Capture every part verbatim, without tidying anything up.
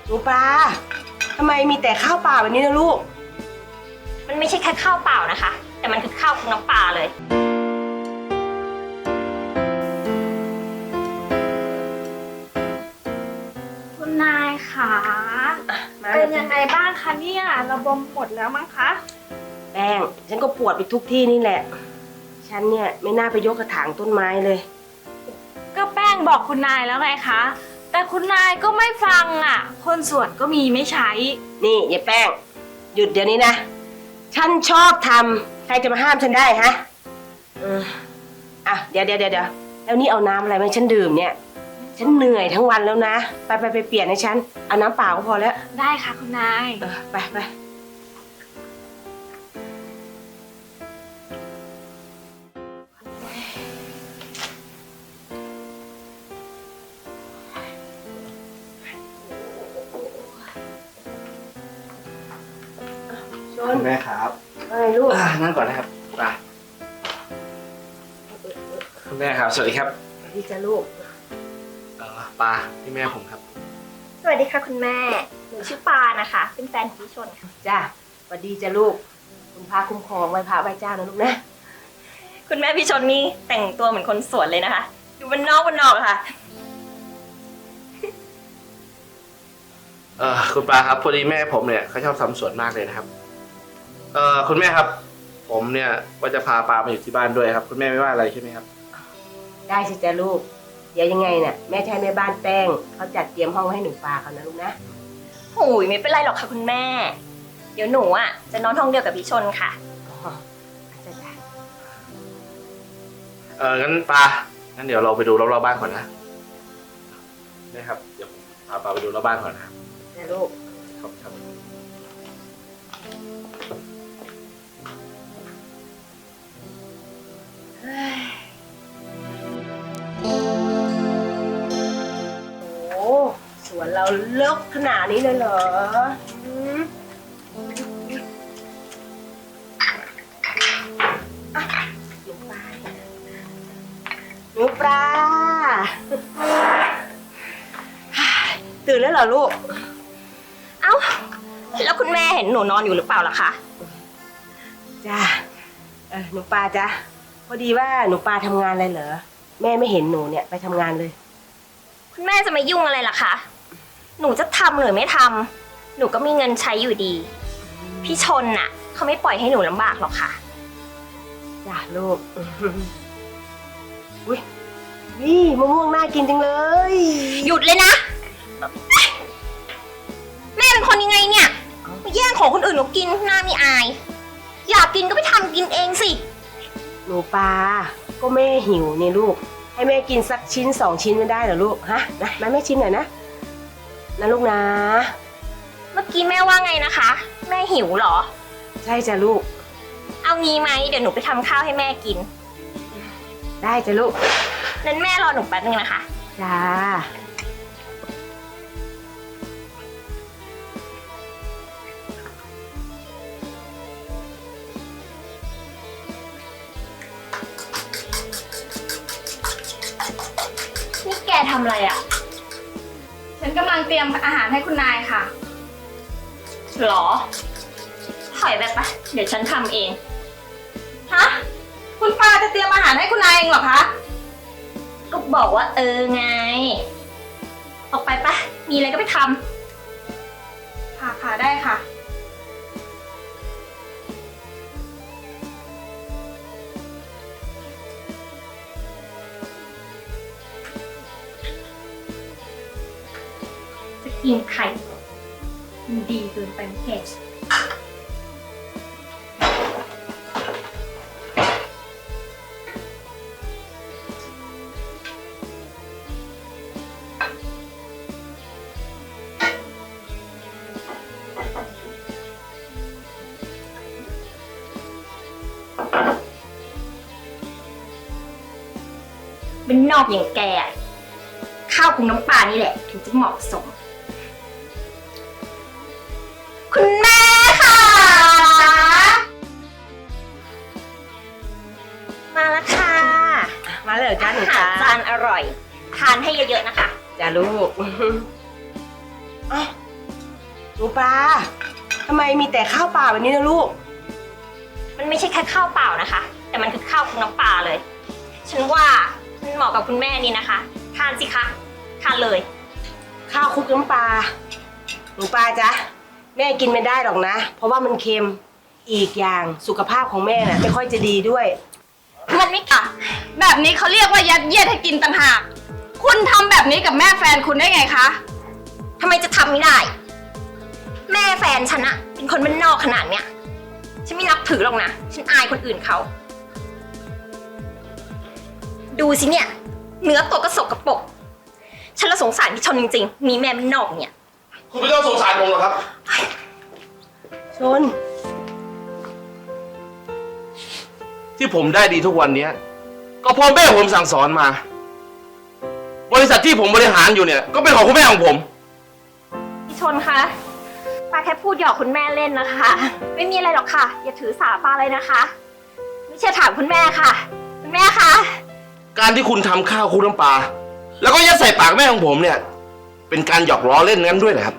หนูปลาทำไมมีแต่ข้าวเปล่าแบบนี้นะลูกมันไม่ใช่แค่ข้าวเปล่านะคะแต่มันคือข้าวคลุกน้ำปลาเลยคุณนายค่ะเป็นยังไงบ้างคะเนี่ยระบมหมดแล้วมั้งคะแป้งฉันก็ปวดไปทุกที่นี่แหละฉันเนี่ยไม่น่าไปยกกระถางต้นไม้เลยก็แป้งบอกคุณนายแล้วไงคะแต่คุณนายก็ไม่ฟังอ่ะคนสวนก็มีไม่ใช้นี่ยายแป้งหยุดเดี๋ยวนี้นะฉันชอบทำใครจะมาห้ามฉันได้ฮะเอออ่ะเดี๋ยวเดี๋ยวเดี๋ยวแล้วนี่เอาน้ำอะไรมาฉันดื่มเนี่ยฉันเหนื่อยทั้งวันแล้วนะไปไปไปเปลี่ยนให้ฉันเอาน้ำเปล่าก็พอแล้วได้ค่ะคุณนายเออไปไปคุณแม่ครับอะไรลูกนั่งก่อนนะครับไปคุณแม่ครับสวัสดีครับสวัสดีจ้าลูกเออปาพี่แม่ผมครับสวัสดีค่ะคุณแม่หนูชื่อปานะคะเป็นแฟนของพี่ชนค่ะจ้าสวัสดีจ้าลูกคุณพาคุ้มครองไว้พระไว้เจ้านะลูกนะคุณแม่พี่ชนนี่แต่งตัวเหมือนคนสวนเลยนะคะอยู่บนนอกบนนอกค่ะเออคุณปาครับพอดีแม่ผมเนี่ยเขาชอบทำสวนมากเลยนะครับเออคุณแม่ครับผมเนี่ยว่าจะพาปามาอยู่ที่บ้านด้วยครับคุณแม่ไม่ว่าอะไรใช่ไหมครับได้สิจ้าลูกเดี๋ยวยังไงเนี่ยแม่จะให้แม่บ้านแป้งเขาจัดเตรียมห้องให้หนูปลาเขานะลูกนะโอ้ยไม่เป็นไรหรอกค่ะคุณแม่เดี๋ยวหนูอ่ะจะนอนห้องเดียวกับพี่ชนค่ะอ๋อจ้าจ้าเอองั้นปางั้นเดี๋ยวเราไปดูรอบๆบ้านก่อนนะนะครับเดี๋ยวพาปาไปดูรอบบ้านก่อนนะจ้าลูกครับครับโอ้สวนเราเลิกขนาดนี้เลยเหรอหนูปลาหนูปลาตื่นแล้วเหรอลูกเอ้าแล้วคุณแม่เห็นหนูนอนอยู่หรือเปล่าล่ะคะจ้าเออหนูปลาจ้ะพอดีว่าหนูปลาทำงานอะไรเหรอแม่ไม่เห็นหนูเนี่ยไปทำงานเลยคุณแม่จะมายุ่งอะไรล่ะคะหนูจะทำหรือไม่ทำหนูก็มีเงินใช้อยู่ดีพี่ชนน่ะเขาไม่ปล่อยให้หนูลำบากหรอกค่ะจ้าลูกอุ้ยนี่มะม่วงน่ากินจังเลยหยุดเลยนะแม่เป็นคนยังไงเนี่ยมาแย่งของคนอื่นหนูกินหน้ามีอายอยากกินก็ไปทำกินเองสิหนูปลาก็แม่หิวเนี่ยลูกให้แม่กินสักชิ้นสองชิ้นไม่ได้เหรอลูกฮะนะมาแม่ชิมหน่อยนะนะลูกนะเมื่อกี้แม่ว่าไงนะคะแม่หิวเหรอใช่จ้ะลูกเอางี้ไหมเดี๋ยวหนูไปทำข้าวให้แม่กินได้จ้ะลูกนั้นแม่รอหนูแป๊บนึงนะคะจ้านี่แกทำอะไรอ่ะฉันกำลังเตรียมอาหารให้คุณนายค่ะหรอถอยไปปะเดี๋ยวฉันทำเองฮะคุณปาจะเตรียมอาหารให้คุณนายเองเหรอคะก็บอกว่าเออไงออกไปปะมีอะไรก็ไปทำค่ะค่ะได้ค่ะจะกินไข่มันดีเกินไปไหมแกเป็นนอกอย่างแกข้าวคลุกน้ำปลานี่แหละถึงจะเหมาะสมคุณแม่ค่ะมาแล้วค่ะมาเลยจ้าหนูจ้าจานอร่อยทานให้เยอะๆนะคะจ้าลูกอ๋อหนูปลาทำไมมีแต่ข้าวเปล่าแบบนี้นะลูกมันไม่ใช่แค่ข้าวเปล่านะคะ แต่มันคือข้าวคลุกน้ำปลาเลย ฉันว่ามันเหมาะกับคุณแม่นี่นะคะ ทานสิคะ ทานเลยข้าวคลุกน้ำปลาหนูปลาจ๊ะแม่กินไม่ได้หรอกนะ เพราะว่ามันเค็มอีกอย่างสุขภาพของแม่น่ะไม่ค่อยจะดีด้วยมันไม่ค่ะแบบนี้เขาเรียกว่ายัดเยียดให้กินต่างหาก คุณทำแบบนี้กับแม่แฟนคุณได้ไงคะทำไมจะทำไม่ได้ แม่แฟนฉันอะเป็นคนบ้านนอกขนาดเนี้ย ฉันไม่นับถือหรอกนะ ฉันอายคนอื่นเขา ดูสิเนี่ย เนื้อตัวก็สกปรก ฉันละสงสารพี่ชนจริงๆ มีแม่บ้านนอกเนี่ยคุณไม่ต้องสงสารผมหรอกครับชนที่ผมได้ดีทุกวันเนี้ยก็เพราะแม่ผมสั่งสอนมา บริษัทที่ผมบริหารอยู่เนี่ย ก็เป็นของคุณแม่ของผมพี่ชนคะป้าแค่พูดหยอกคุณแม่เล่นนะคะ ไม่มีอะไรหรอกค่ะ อย่าถือสาป้าเลยนะคะ ไม่เชื่อถามคุณแม่ค่ะ คุณแม่คะการที่คุณทำข้าวคลุกน้ำปลาแล้วก็ยัดใส่ปากแม่ของผมเนี่ย เป็นการหยอกล้อเล่นงั้นด้วยเหรอครับ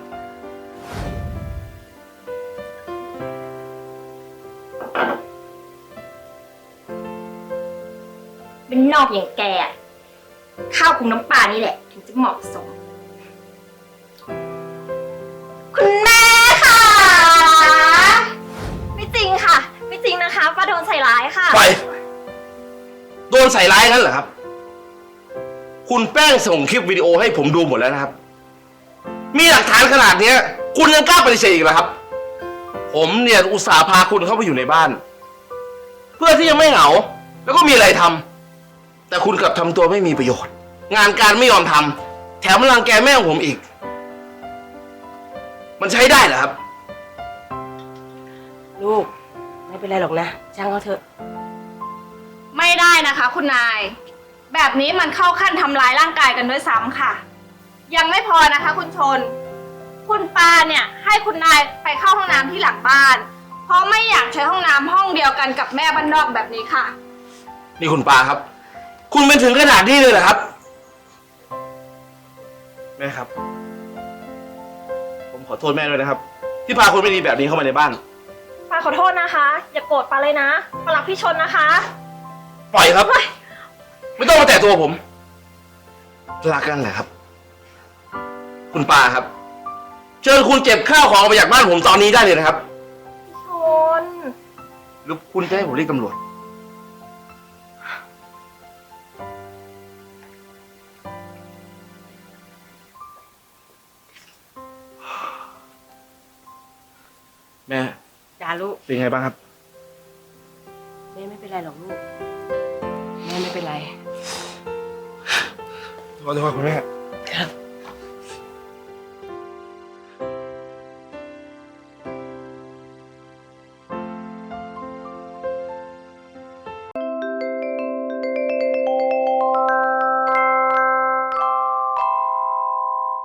เป็นนอกอย่างแกอะข้าวคลุกน้ำปลานี่แหละ ถึงจะเหมาะสม คุณแม่ค่ะ ไม่จริงค่ะ ไม่จริงนะคะป้าโดนใส่ร้ายค่ะไป โดนใส่ร้ายงั้นเหรอครับ คุณแป้งส่งคลิปวิดีโอให้ผมดูหมดแล้วนะครับ มีหลักฐานขนาดเนี้ย คุณยังกล้าปฏิเสธอีกเหรอครับ ผมเนี่ยอุตส่าห์พาคุณเข้าไปอยู่ในบ้าน เพื่อที่จะไม่เหงา แล้วก็มีอะไรทำแต่คุณกลับทำตัวไม่มีประโยชน์ งานการไม่ยอมทำแถมรังแกแม่ของผมอีก มันใช้ได้เหรอครับลูกไม่เป็นไรหรอกนะช่างเขาเถอะไม่ได้นะคะ คุณนาย แบบนี้มันเข้าขั้นทำร้ายร่างกายกันด้วยซ้ำค่ะ ยังไม่พอนะคะ คุณชน คุณปาเนี่ยให้คุณนายไปเข้าห้องน้ำที่หลังบ้าน เพราะไม่อยากใช้ห้องน้ำห้องเดียวกันกับแม่บ้านนอกแบบนี้ค่ะนี่คุณปาครับ คุณเป็นถึงขนาดนี้เลยเหรอครับ แม่ครับ ผมขอโทษแม่ด้วยนะครับ ที่พาคนไม่ดีแบบนี้เข้ามาในบ้านป้าขอโทษนะคะ อย่าโกรธป้าเลยนะป้ารักพี่ชนนะคะปล่อยครับ ไม่ต้องมาแตะตัวผมรักกันแหละครับ คุณปาครับ เชิญคุณเก็บข้าวของออกไปจากบ้านผมตอนนี้ได้เลยนะครับพี่ชนหรือคุณจะให้ผมเรียกตำรวจ แม่จ้าลูกเป็นไงบ้างครับแม่ไม่เป็นไรหรอกลูกแม่ไม่เป็นไรขอโทษคุณแม่ครับ